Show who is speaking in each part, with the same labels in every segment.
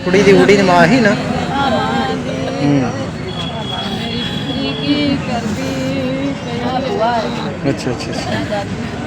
Speaker 1: ਕੁੜੀ ਦੀ ਮਾਂ ਹੀ ਨਾ। अच्छा अच्छा अच्छा।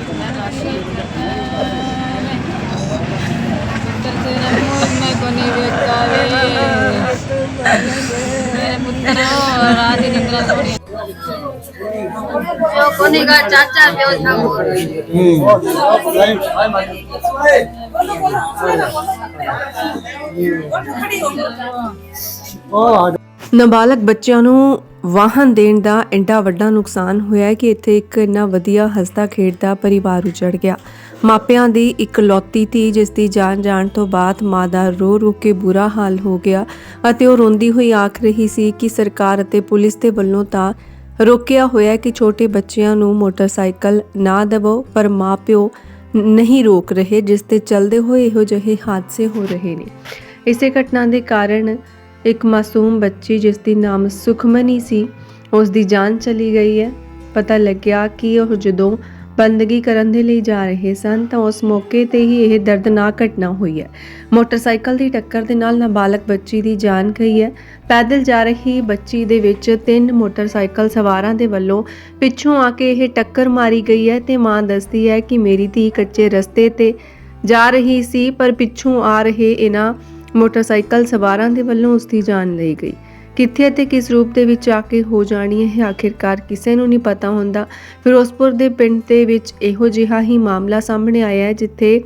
Speaker 2: ਨਾਬਾਲਗ ਬੱਚਿਆਂ ਨੂੰ ਵਾਹਨ ਦੇਣ ਦਾ ਐਡਾ ਵੱਡਾ ਨੁਕਸਾਨ ਹੋਇਆ ਕਿ ਇੱਥੇ ਇੱਕ ਇੰਨਾ ਵਧੀਆ ਹੱਸਦਾ ਖੇਡਦਾ ਪਰਿਵਾਰ ਉਜੜ ਗਿਆ। ਮਾਪਿਆਂ ਦੀ ਇਕਲੌਤੀ ਧੀ ਜਿਸ ਦੀ ਜਾਨ ਜਾਣ ਤੋਂ ਬਾਅਦ ਮਾਂ ਦਾ ਰੋ ਰੋ ਕੇ ਬੁਰਾ ਹਾਲ ਹੋ ਗਿਆ ਅਤੇ ਉਹ ਰੋਂਦੀ ਹੋਈ ਆਖ ਰਹੀ ਸੀ ਕਿ ਸਰਕਾਰ ਅਤੇ ਪੁਲਿਸ ਦੇ ਵੱਲੋਂ ਤਾਂ ਰੋਕਿਆ ਹੋਇਆ ਕਿ ਛੋਟੇ ਬੱਚਿਆਂ ਨੂੰ ਮੋਟਰਸਾਈਕਲ ਨਾ ਦੇਵੋ, ਪਰ ਮਾਪਿਓ ਨਹੀਂ ਰੋਕ ਰਹੇ, ਜਿਸ ਤੇ ਚੱਲਦੇ ਹੋਏ ਇਹੋ ਜਿਹੇ ਹਾਦਸੇ ਹੋ ਰਹੇ ਨੇ। ਇਸੇ ਘਟਨਾ ਦੇ ਕਾਰਨ ਇੱਕ ਮਾਸੂਮ ਬੱਚੀ ਜਿਸ ਦੀ ਨਾਮ ਸੁਖਮਨੀ ਸੀ, ਉਸ ਦੀ ਜਾਨ ਚਲੀ ਗਈ ਹੈ। ਪਤਾ ਲੱਗਿਆ ਕਿ ਉਹ ਜਦੋਂ ਬੰਦਗੀ ਕਰਨ ਦੇ ਲਈ ਜਾ ਰਹੇ ਸਨ ਤਾਂ ਉਸ ਮੌਕੇ ਤੇ ਹੀ ਇਹ ਦਰਦਨਾਕ ਘਟਨਾ ਹੋਈ ਹੈ। ਮੋਟਰਸਾਈਕਲ ਦੀ ਟੱਕਰ ਦੇ ਨਾਲ ਨਾਬਾਲਗ ਬੱਚੀ ਦੀ ਜਾਨ ਗਈ ਹੈ। ਪੈਦਲ ਜਾ ਰਹੀ ਬੱਚੀ ਦੇ ਵਿੱਚ 3 ਮੋਟਰਸਾਈਕਲ ਸਵਾਰਾਂ ਦੇ ਵੱਲੋਂ ਪਿੱਛੋਂ ਆ ਕੇ ਇਹ ਟੱਕਰ ਮਾਰੀ ਗਈ ਹੈ ਤੇ ਮਾਂ ਦੱਸਦੀ ਹੈ ਕਿ ਮੇਰੀ ਧੀ ਕੱਚੇ ਰਸਤੇ ਤੇ ਜਾ ਰਹੀ ਸੀ, ਪਰ ਪਿੱਛੋਂ ਆ ਰਹੇ ਇਹਨਾਂ ਮੋਟਰਸਾਈਕਲ ਸਵਾਰਾਂ ਦੇ ਵੱਲੋਂ ਉਸ ਦੀ ਜਾਨ ਲਈ ਗਈ। ਕਿੱਥੇ ਅਤੇ ਕਿਸ ਰੂਪ ਦੇ ਵਿੱਚ ਆ ਕੇ ਹੋ ਜਾਣੀ ਹੈ ਆਖਿਰਕਾਰ ਕਿਸੇ ਨੂੰ ਨਹੀਂ ਪਤਾ ਹੁੰਦਾ। ਫਿਰੋਜ਼ਪੁਰ ਦੇ ਪਿੰਡ ਦੇ ਵਿੱਚ ਇਹੋ ਜਿਹਾ ਹੀ ਮਾਮਲਾ ਸਾਹਮਣੇ ਆਇਆ ਹੈ, ਜਿੱਥੇ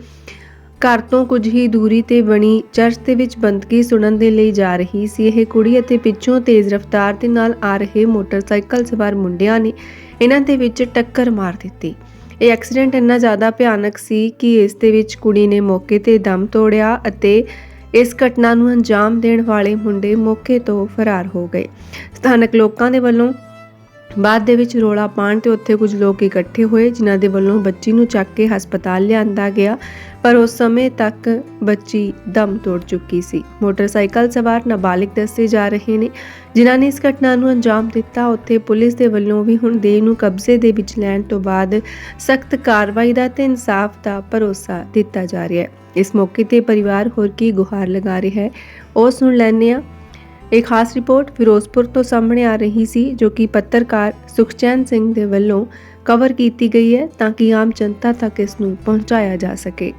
Speaker 2: ਘਰ ਤੋਂ ਕੁਝ ਹੀ ਦੂਰੀ ਤੇ ਬਣੀ ਚਰਚ ਦੇ ਵਿੱਚ ਬੰਦਗੀ ਸੁਣਨ ਦੇ ਲਈ ਜਾ ਰਹੀ ਸੀ ਇਹ ਕੁੜੀ ਅਤੇ ਪਿੱਛੋਂ ਤੇਜ਼ ਰਫ਼ਤਾਰ ਦੇ ਨਾਲ ਆ ਰਹੇ ਮੋਟਰਸਾਈਕਲ ਸਵਾਰ ਮੁੰਡਿਆਂ ਨੇ ਇਹਨਾਂ ਦੇ ਵਿੱਚ ਟੱਕਰ ਮਾਰ ਦਿੱਤੀ। ਇਹ ਐਕਸੀਡੈਂਟ ਇੰਨਾ ਜ਼ਿਆਦਾ ਭਿਆਨਕ ਸੀ ਕਿ ਇਸ ਦੇ ਵਿੱਚ ਕੁੜੀ ਨੇ ਮੌਕੇ ਤੇ ਦਮ ਤੋੜਿਆ ਅਤੇ ਇਸ ਘਟਨਾ ਨੂੰ ਅੰਜਾਮ ਦੇਣ ਵਾਲੇ ਮੁੰਡੇ ਮੌਕੇ ਤੋਂ ਫਰਾਰ ਹੋ ਗਏ। ਸਥਾਨਕ ਲੋਕਾਂ ਦੇ ਵੱਲੋਂ ਬਾਅਦ ਦੇ ਵਿੱਚ ਰੋਲਾ ਪਾਉਣ ਤੇ ਉੱਥੇ ਕੁਝ ਲੋਕ ਇਕੱਠੇ ਹੋਏ, ਜਿਨ੍ਹਾਂ ਦੇ ਵੱਲੋਂ ਬੱਚੀ ਨੂੰ ਚੱਕ ਕੇ ਹਸਪਤਾਲ ਲਿਆਂਦਾ ਗਿਆ, ਪਰ ਉਸ ਸਮੇਂ ਤੱਕ ਬੱਚੀ ਦਮ ਤੋੜ ਚੁੱਕੀ ਸੀ। ਮੋਟਰਸਾਈਕਲ ਸਵਾਰ ਨਾਬਾਲਿਗ ਦੱਸੇ ਜਾ ਰਹੇ ਨੇ ਜਿਨ੍ਹਾਂ ਨੇ ਇਸ ਘਟਨਾ ਨੂੰ ਅੰਜਾਮ ਦਿੱਤਾ। ਉੱਥੇ ਪੁਲਿਸ ਦੇ ਵੱਲੋਂ ਵੀ ਹੁਣ ਦੇਹ ਨੂੰ ਕਬਜ਼ੇ ਦੇ ਵਿੱਚ ਲੈਣ ਤੋਂ ਬਾਅਦ ਸਖਤ ਕਾਰਵਾਈ ਦਾ ਤੇ ਇਨਸਾਫ ਦਾ ਭਰੋਸਾ ਦਿੱਤਾ ਜਾ ਰਿਹਾ ਹੈ। ਇਸ ਮੌਕੇ ਤੇ ਪਰਿਵਾਰ ਹੋਰ ਕੀ ਗੁਹਾਰ ਲਗਾ ਰਿਹਾ ਹੈ ਉਹ ਸੁਣ ਲੈਂਦੇ ਹਾਂ। एक खास रिपोर्ट फिरोजपुर तो सामने आ रही सी, जो कि पत्रकार सुखचैन सिंह दे वल्लों कवर की गई है ताकि आम जनता तक इसनूं पहुंचाया जा सके।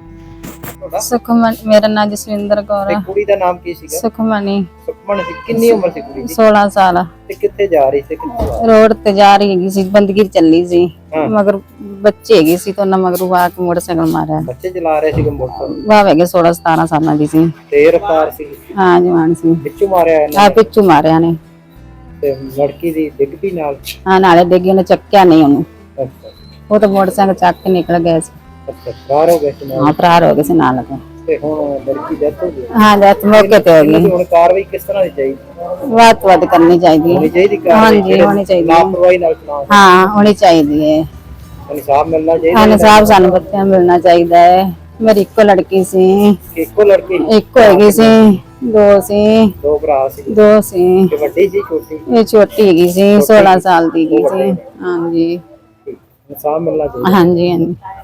Speaker 3: सुखमनी मेरा नाम जसविंदर कौर है।
Speaker 1: कुड़ी दा नाम की सीगा?
Speaker 3: सुखमनी।
Speaker 1: सुखमनी सी कितनी उम्र सी कुड़ी दी?
Speaker 3: 16 साल।
Speaker 1: ते कित्थे जा रही सी?
Speaker 3: रोड ते जा रही सी, बंदगी चली सी, मगर बच्चे हैगी सी तो ना मगर वा के मोटरसाइकिल मारा।
Speaker 1: बच्चे चला रहे सी मोटरसाइकिल?
Speaker 3: वाह हैगे 16-17 साल दी सी।
Speaker 1: ते रफ्तार सी?
Speaker 3: हां जवान सी।
Speaker 1: पिछू मारया है?
Speaker 3: हां पिछू मारया ने।
Speaker 1: ते लड़की दी डिग पी नाल?
Speaker 3: हां नाले डिगी ने चक्या नहीं ओनु।
Speaker 1: अच्छा
Speaker 3: वो तो मोटरसाइकिल चक के निकल गए सी।
Speaker 1: अच्छा फरार हो गए सी?
Speaker 3: हां फरार हो गए सी नाल के।
Speaker 1: ते हुण लड़की डेथ हो गई?
Speaker 3: हां डेथ मौके ते हो गई।
Speaker 1: हुण कार्रवाई किस तरह दी चाहिए?
Speaker 3: वाद करनी चाहिए।
Speaker 1: होनी चाहिए
Speaker 3: हां जी होनी चाहिए।
Speaker 1: लापरवाही नाल चलाओ?
Speaker 3: हां होनी चाहिए है।
Speaker 1: इंसाफ मिलना चाहिए।
Speaker 3: हाँ इंसाफ सानू बच्चों मिलना चाहिए है। मेरी इको लड़की सी।
Speaker 1: इको लड़की? इको
Speaker 3: हैगी सी। दो सी।
Speaker 1: दो भरा सी?
Speaker 3: दो सी।
Speaker 1: ते वड्डी सी छोटी?
Speaker 3: ये छोटी हैगी सी, 16 साल दी हैगी सी। हां जी
Speaker 1: इंसाफ मिलना चाहिए।
Speaker 3: हां जी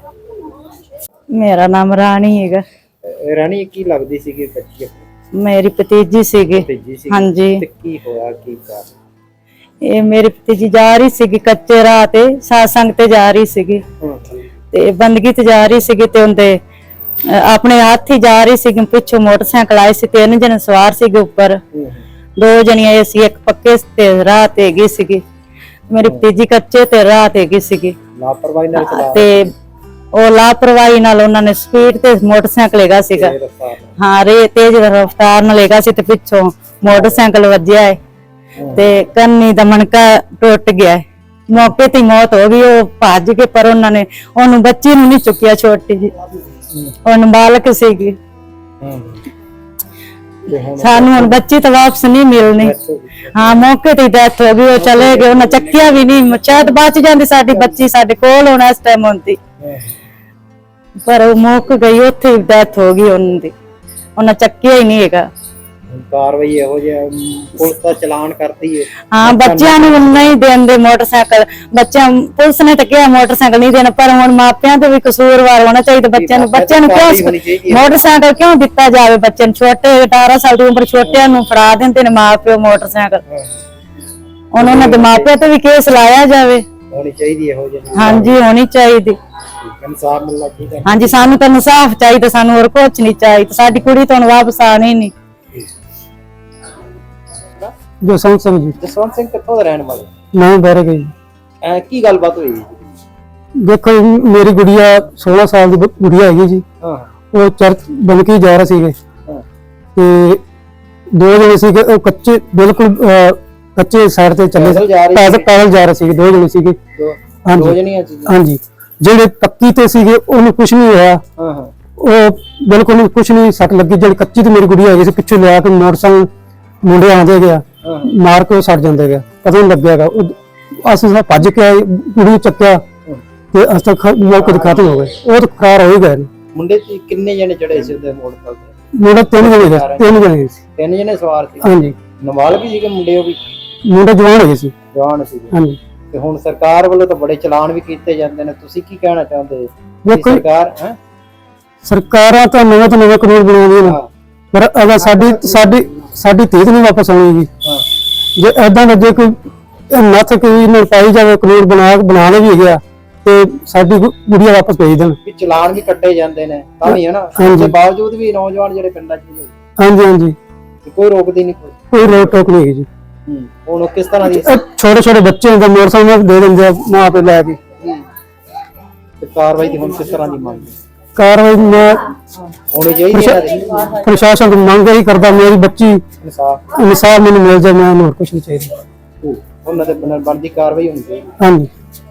Speaker 3: हां। मेरा नाम रानी है।
Speaker 1: रानी की लगदी सी कि बच्ची?
Speaker 3: मेरी भतीजी सी। हां जी।
Speaker 1: ते की होया की कर?
Speaker 3: ये मेरी भतीजी जा रही सी कच्चे राह ते सत्संग ते जा रही सी ते बंदगी ते जा रही सी ते उनदे अपने हाथ ही जा रही सी, पिछो मोटरसाइकिल आए सी, 3 जने सवार सी ऊपर, 2 जनियां सी, एक पक्के ते राह ते गई सी। मेरी भतीजी कच्चे ते राह ते गई सी।
Speaker 1: लापरवाही नाल चला
Speaker 3: ते ओ लापरवाही नाल उन्होंने स्पीड ते मोटरसाइकिल लेगा सीगा। हां रे तेज रफ्तार नाल लेगा सी ते पिछो मोटरसाइकिल वजया है ते कन्नी दा मनका टुट गया है। मौके ते मौत हो गई। वो भज के पर उन्होंने ओनू बच्ची नू नहीं चुकिया, छोटी जी ओनू बालक सीगी। सानू हुण बच्ची तो वापस नहीं मिलनी। हाँ मौके ते डेथ हो गई। वो चले गए, उन्हें चक्किया भी नहीं, शायद बच जाती साडी बच्ची साडे कोल होना इस टाइम होंदी, पर वो मुक गई, उत्थे डेथ हो गई उन्हें चक्किया ही नहीं है।
Speaker 1: ਹੁਣ ਕਾਰਵਾਈ ਇਹੋ ਜਿਹਾ ਪੁਲਿਸ ਦਾ ਚਲਾਨ ਕਰਦੀ ਹੈ।
Speaker 3: ਹਾਂ ਬੱਚਿਆਂ ਨੂੰ ਨਹੀਂ ਦੇਂਦੇ ਮੋਟਰਸਾਈਕਲ, ਪੁਲਿਸ ਨੇ ਤਾਂ ਕਿਹਾ ਮੋਟਰਸਾਈਕਲ ਨਹੀਂ ਦੇਣਾ, ਪਰ ਹੁਣ ਮਾਪਿਆਂ ਤੇ ਵੀ ਕਸੂਰਵਾਰ ਹੋਣਾ ਚਾਹੀਦਾ। ਬੱਚਿਆਂ ਨੂੰ ਕਿਉਂ ਮੋਟਰਸਾਈਕਲ ਕਿਉਂ ਦਿੱਤਾ ਜਾਵੇ? ਬੱਚੇ ਨੂੰ ਛੋਟੇ 18 ਸਾਲ ਦੀ ਉਮਰ ਛੋਟਿਆਂ ਨੂੰ ਫੜਾ ਦਿੰਦੇ ਨੇ ਮਾਪਿਓ ਮੋਟਰਸਾਈਕਲ। ਉਹਨਾਂ ਦੇ ਮਾਪਿਆਂ ਤੇ ਵੀ ਕੇਸ ਲਾਇਆ ਜਾਵੇ।
Speaker 1: ਹੋਣੀ ਚਾਹੀਦੀ ਇਹੋ ਜਿਹੀ।
Speaker 3: ਹਾਂਜੀ ਹੋਣੀ ਚਾਹੀਦੀ।
Speaker 1: ਇਨਸਾਫ ਮਿਲਣਾ ਚਾਹੀਦਾ।
Speaker 3: ਹਾਂਜੀ ਸਾਨੂੰ ਤਾਂ ਇਨਸਾਫ ਚਾਹੀਦਾ, ਸਾਨੂੰ ਹੋਰ ਕੁਝ ਨਹੀਂ ਚਾਹੀਦਾ। ਸਾਡੀ ਕੁੜੀ ਤੋਂ ਵਾਪਸ ਆਣੀ ਨਹੀਂ।
Speaker 4: ਜਸਵੰਤ ਸਿੰਘ ਜੀ।
Speaker 1: ਜਸਵੰਤ ਸਿੰਘ ਕਿੱਥੋਂ ਦਾ ਰਹਿਣ ਵਾਲੇ?
Speaker 4: ਮੈਂ ਬਹਿਰੇ ਗਈ।
Speaker 1: ਕੀ ਗੱਲਬਾਤ ਹੋਈ ਜੀ?
Speaker 4: ਦੇਖੋ ਜੀ, ਮੇਰੀ ਗੁੜੀਆ 16 ਸਾਲ ਦੀ ਗੁੜੀਆ ਹੈਗੀ ਜੀ।
Speaker 1: ਹਾਂ।
Speaker 4: ਉਹ ਚਰਚ ਬਣ ਕੇ ਜਾ ਰਹੇ ਸੀਗੇ
Speaker 1: ਹਾਂ।
Speaker 4: ਤੇ ਦੋ ਜਣੇ ਸੀਗੇ, ਉਹ ਕੱਚੇ ਬਿਲਕੁਲ ਕੱਚੇ ਸਾਈਡ ਤੇ ਚੱਲੇ ਪੈਦਲ ਜਾ ਰਹੇ ਸੀਗੇ। ਦੋ ਜਣੇ ਸੀਗੇ।
Speaker 1: ਦੋ ਜਣੀਆਂ ਸੀ।
Speaker 4: ਹਾਂਜੀ। ਜਿਹੜੇ ਪੱਕੀ ਤੇ ਸੀਗੇ ਉਹਨੂੰ ਕੁਝ ਨਹੀਂ ਹੋਇਆ।
Speaker 1: ਹਾਂ ਹਾਂ।
Speaker 4: ਉਹ ਬਿਲਕੁਲ ਕੁਝ ਨਹੀਂ ਸੱਟ ਲੱਗੀ। ਜਿਹੜੀ ਕੱਚੀ ਤੇ ਮੇਰੀ ਗੁੜੀਆ ਹੈਗੀ ਸੀ, ਪਿੱਛੇ ਲਿਆ ਕੇ ਮੋਟਰਸਾਈਕਲ ਮੁੰਡੇ ਆਉਂਦੇ ਗਿਆ, ਮਾਰ ਕੇ ਉਹ ਸੜ ਜਾਂਦੇ ਗਿਆ, ਪਤਾ ਨਹੀਂ ਲੱਗਿਆਗਾ। ਅਸੀਂ ਭੱਜ ਕੇ ਆਏ, ਕੁੜੀ ਚੱਕਿਆ ਤੇ ਅਸ ਤੱਕ ਮੌਕੇ ਤੇ ਖਤਮ ਹੋ ਗਏ। ਉਹ ਤਾਂ ਫਰਾਰ ਹੋ ਹੀ ਗਏ।
Speaker 1: ਮੁੰਡੇ ਤੇ ਕਿੰਨੇ ਜਣੇ ਚੜੇ ਸੀ ਉਹਦੇ ਮੋਟਰਸਾਈਕਲ ਤੇ?
Speaker 4: ਮੁੰਡਾ ਤਿੰਨ ਜਣੇ ਸੀ।
Speaker 1: ਤਿੰਨ ਜਣੇ ਸਵਾਰ ਸੀ।
Speaker 4: ਹਾਂਜੀ।
Speaker 1: ਨਾਬਾਲਗ ਸੀਗੇ ਮੁੰਡੇ? ਉਹ ਵੀ
Speaker 4: ਮੁੰਡਾ ਜਵਾਨ ਹੈਗੇ ਸੀ।
Speaker 1: ਜਵਾਨ ਸੀ।
Speaker 4: ਹਾਂਜੀ।
Speaker 1: ਤੇ ਹੁਣ ਸਰਕਾਰ ਵੱਲੋਂ ਤਾਂ ਬੜੇ ਚਲਾਨ ਵੀ ਕੀਤੇ ਜਾਂਦੇ ਨੇ, ਤੁਸੀਂ ਕੀ ਕਹਿਣਾ ਚਾਹੁੰਦੇ?
Speaker 4: ਦੇਖੋ
Speaker 1: ਸਰਕਾਰ
Speaker 4: ਸਰਕਾਰਾਂ ਤਾਂ ਨਵੇਂ ਤੋਂ ਨਵੇਂ ਕਾਨੂੰਨ ਬਣਾਉਂਦੀਆਂ ਨੇ, ਪਰ ਅਗਰ ਸਾਡੀ ਧੀ ਨਹੀਂ ਵਾਪਸ ਆਉਣੀ। ਜੇ ਏਦਾਂ ਦਾ ਜੇ ਕੋਈ ਨੱਥ ਕੋਈ ਨਾ ਪਾਈ ਜਾਵੇ, ਕਾਨੂੰਨ ਬਣਾ ਵੀ ਗਿਆ ਤੇ ਸਾਡੀ ਗੁੜੀਆ ਵਾਪਸ ਭੇਜ ਦੇਣ।
Speaker 1: ਚਲਾਨ ਵੀ ਕੱਟੇ ਜਾਂਦੇ ਨੇ ਤਾਂ ਵੀ, ਹੈ ਨਾ? ਉਸ ਦੇ ਬਾਵਜੂਦ ਵੀ ਨੌਜਵਾਨ ਜਿਹੜੇ ਪਿੰਡਾਂ 'ਚ ਨੇ,
Speaker 4: ਹਾਂਜੀ ਹਾਂਜੀ,
Speaker 1: ਕੋਈ ਰੋਕਦੀ ਨਹੀਂ,
Speaker 4: ਕੋਈ ਰੋਕ ਟੋਕ ਨਹੀਂ ਹੈਗੀ ਜੀ।
Speaker 1: ਹੁਣ ਕਿਸ ਤਰ੍ਹਾਂ ਦੀ
Speaker 4: ਛੋਟੇ ਛੋਟੇ ਬੱਚੇ ਹੁੰਦੇ, ਮੋਟਰਸਾਈਕਲ ਦੇ ਦਿੰਦੇ ਆ ਮਾਂ ਪਿਓ ਲੈ ਕੇ।
Speaker 1: ਕਾਰਵਾਈ ਦੀ ਹੁਣ ਕਿਸ ਤਰ੍ਹਾਂ ਦੀ ਮੰਗ?
Speaker 4: ਕਾਰਵਾਈ ਮੈਂ
Speaker 1: ਹੋਣੀ ਚਾਹੀਦੀ ਹੈ।
Speaker 4: ਪ੍ਰਸ਼ਾਸਨ ਤੋਂ ਮੰਗ ਇਹੀ ਕਰਦਾ, ਮੇਰੀ ਬੱਚੀ ਇਨਸਾਫ ਮੈਨੂੰ ਮਿਲ ਜਾਏ, ਮੈਨੂੰ ਹੋਰ ਕੁਝ ਨਹੀਂ ਚਾਹੀਦਾ।
Speaker 1: ਉਹਨਾਂ ਦੇ ਬਣਦੀ ਕਾਰਵਾਈ ਹੋਣੀ ਚਾਹੀਦੀ।
Speaker 4: ਹਾਂਜੀ।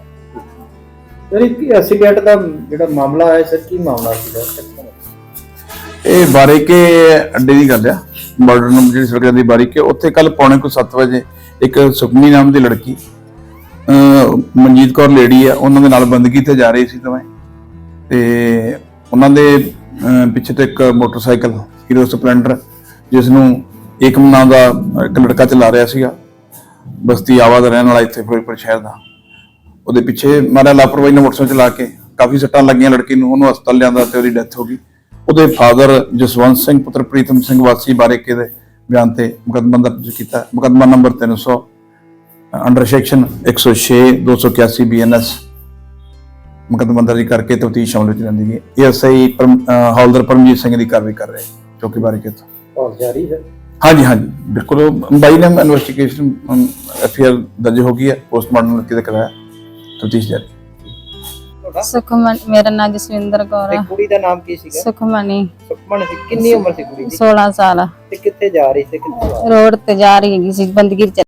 Speaker 1: ਐਕਸੀਡੈਂਟ ਦਾ ਜਿਹੜਾ ਮਾਮਲਾ ਹੈ ਸਰ, ਕੀ ਮਾਮਲਾ ਸੀਗਾ?
Speaker 5: ਇਹ ਬਾਰੀਕੇ ਅੱਡੇ ਦੀ ਗੱਲ ਆ, ਬਾਰਡਰ ਨੂੰ ਜਿਹੜੀ ਸੜਕ ਜਾਂਦੀ ਬਾਰੀਕੇ, ਉੱਥੇ ਕੱਲ ਪੌਣੇ 7 ਵਜੇ ਇੱਕ ਸੁਖਮਨੀ ਨਾਮ ਦੀ ਲੜਕੀ, ਮਨਜੀਤ ਕੌਰ ਲੇਡੀ ਆ, ਉਹਨਾਂ ਦੇ ਨਾਲ ਬੰਦਗੀ ਤੇ ਜਾ ਰਹੀ ਸੀ ਦੋਵੇਂ, ਤੇ ਉਹਨਾਂ ਦੇ ਪਿੱਛੇ ਤੋਂ ਇੱਕ ਮੋਟਰਸਾਈਕਲ ਹੀਰੋ ਸਪਲੈਂਡਰ, ਜਿਸ ਨੂੰ ਏਕਮ ਨਾਮ ਦਾ ਇੱਕ ਲੜਕਾ ਚਲਾ ਰਿਹਾ ਸੀਗਾ, ਬਸਤੀ ਆਵਾ ਦਾ ਰਹਿਣ ਵਾਲਾ, ਇੱਥੇ ਫਿਰੋਜ਼ਪੁਰ ਸ਼ਹਿਰ ਦਾ, ਉਹਦੇ ਪਿੱਛੇ ਮਾਰਿਆ ਲਾਪਰਵਾਹੀ ਨਾਲ ਮੋਟਰਸਾਈਕਲ ਚਲਾ ਕੇ। ਕਾਫੀ ਸੱਟਾਂ ਲੱਗੀਆਂ ਲੜਕੀ ਨੂੰ, ਉਹਨੂੰ ਹਸਪਤਾਲ ਲਿਆਂਦਾ ਤੇ ਉਹਦੀ ਡੈਥ ਹੋ ਗਈ। ਉਹਦੇ ਫਾਦਰ ਜਸਵੰਤ ਸਿੰਘ ਪੁੱਤਰ ਪ੍ਰੀਤਮ ਸਿੰਘ ਵਾਸੀ ਬਾਰੀਕੇ ਦੇ ਬਿਆਨ ਤੇ ਮੁਕੱਦਮਾ ਦਰਜ ਕੀਤਾ। ਮੁਕੱਦਮਾ ਨੰਬਰ 300 ਅੰਡਰ ਸੈਕਸ਼ਨ 106 281 BNS ਮੁਕੱਦਮਾ ਦਰਜ ਕਰਕੇ ਤਫਤੀਸ਼ ਅਮਲ ਵਿੱਚ ਲੈਂਦੀ ਗਈ। ASI ਹੌਲਦਾਰ ਪਰਮਜੀਤ ਸਿੰਘ ਦੀ ਕਾਰਵਾਈ ਕਰ ਰਹੇ ਚੌਕੀ ਬਾਰੀਕੇ ਤੋਂ।
Speaker 1: ਜਾਰੀ ਹੈ? ਹਾਂਜੀ
Speaker 5: ਹਾਂਜੀ ਬਿਲਕੁਲ। ਬਾਈ ਨੇ ਇਨਵੈਸਟੀਗੇਸ਼ਨ FIR ਦਰਜ ਹੋ ਗਈ ਹੈ, ਪੋਸਟਮਾਰਟਮ ਕਿਤੇ ਕਰਾਇਆ, ਤਫਤੀਸ਼ ਜਾਰੀ।
Speaker 3: ਸੁਖਮਨ, ਮੇਰਾ ਨਾਮ ਜਸਵਿੰਦਰ ਕੌਰ ਹੈ।
Speaker 1: ਕੁੜੀ ਦਾ ਨਾਮ ਕੀ ਸੀਗਾ?
Speaker 3: ਸੁਖਮਨੀ।
Speaker 1: ਸੁਖਮਨ ਸੀ। ਕਿੰਨੀ ਉਮਰ ਸੀ ਕੁੜੀ ਦੀ?
Speaker 3: 16 ਸਾਲ।
Speaker 1: ਤੇ ਕਿੱਥੇ ਜਾ ਰਹੀ ਸੀ? ਕਿੱਥੇ
Speaker 3: ਰੋਡ ਤੇ ਜਾ ਰਹੀ ਹੈਗੀ ਸੀ, ਬੰਦਗੀ